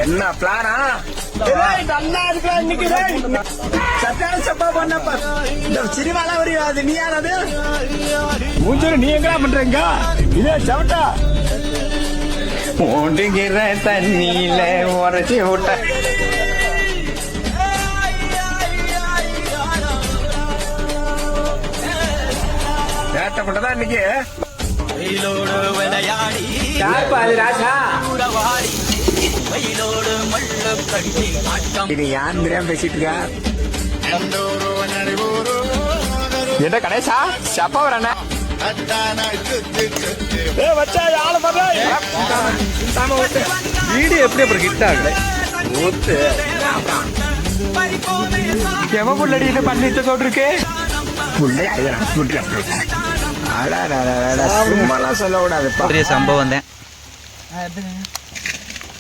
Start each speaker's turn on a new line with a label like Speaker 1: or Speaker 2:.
Speaker 1: என்ன பிளானா? நல்லா இருக்கலாம் இன்னைக்கு. சத்தான சப்பா பண்ணப்ப இந்த சினிமால வரையாது. நீ யாராவது மூஞ்சூர் நீ எங்கடா பண்றீங்க? இதே சவட்டா ஓடுகிற தண்ணியில உரைச்சி விட்ட ஏட்டப்பட்டதான் இன்னைக்கு. யாருப்பா அது ராஜா? இது யார் தெரியாம பேசிட்டு இருக்கா? என்ன கணேசா சப்பா வர
Speaker 2: வீடியோ எப்படி அப்புறம் ஹிட் ஆகுது?
Speaker 1: எவன் புள்ளடி இது பண்ணிட்டு சொல்லிருக்கு? சும்மாலாம் சொல்லக்கூடாது.
Speaker 2: பெரிய சம்பவம் தான்.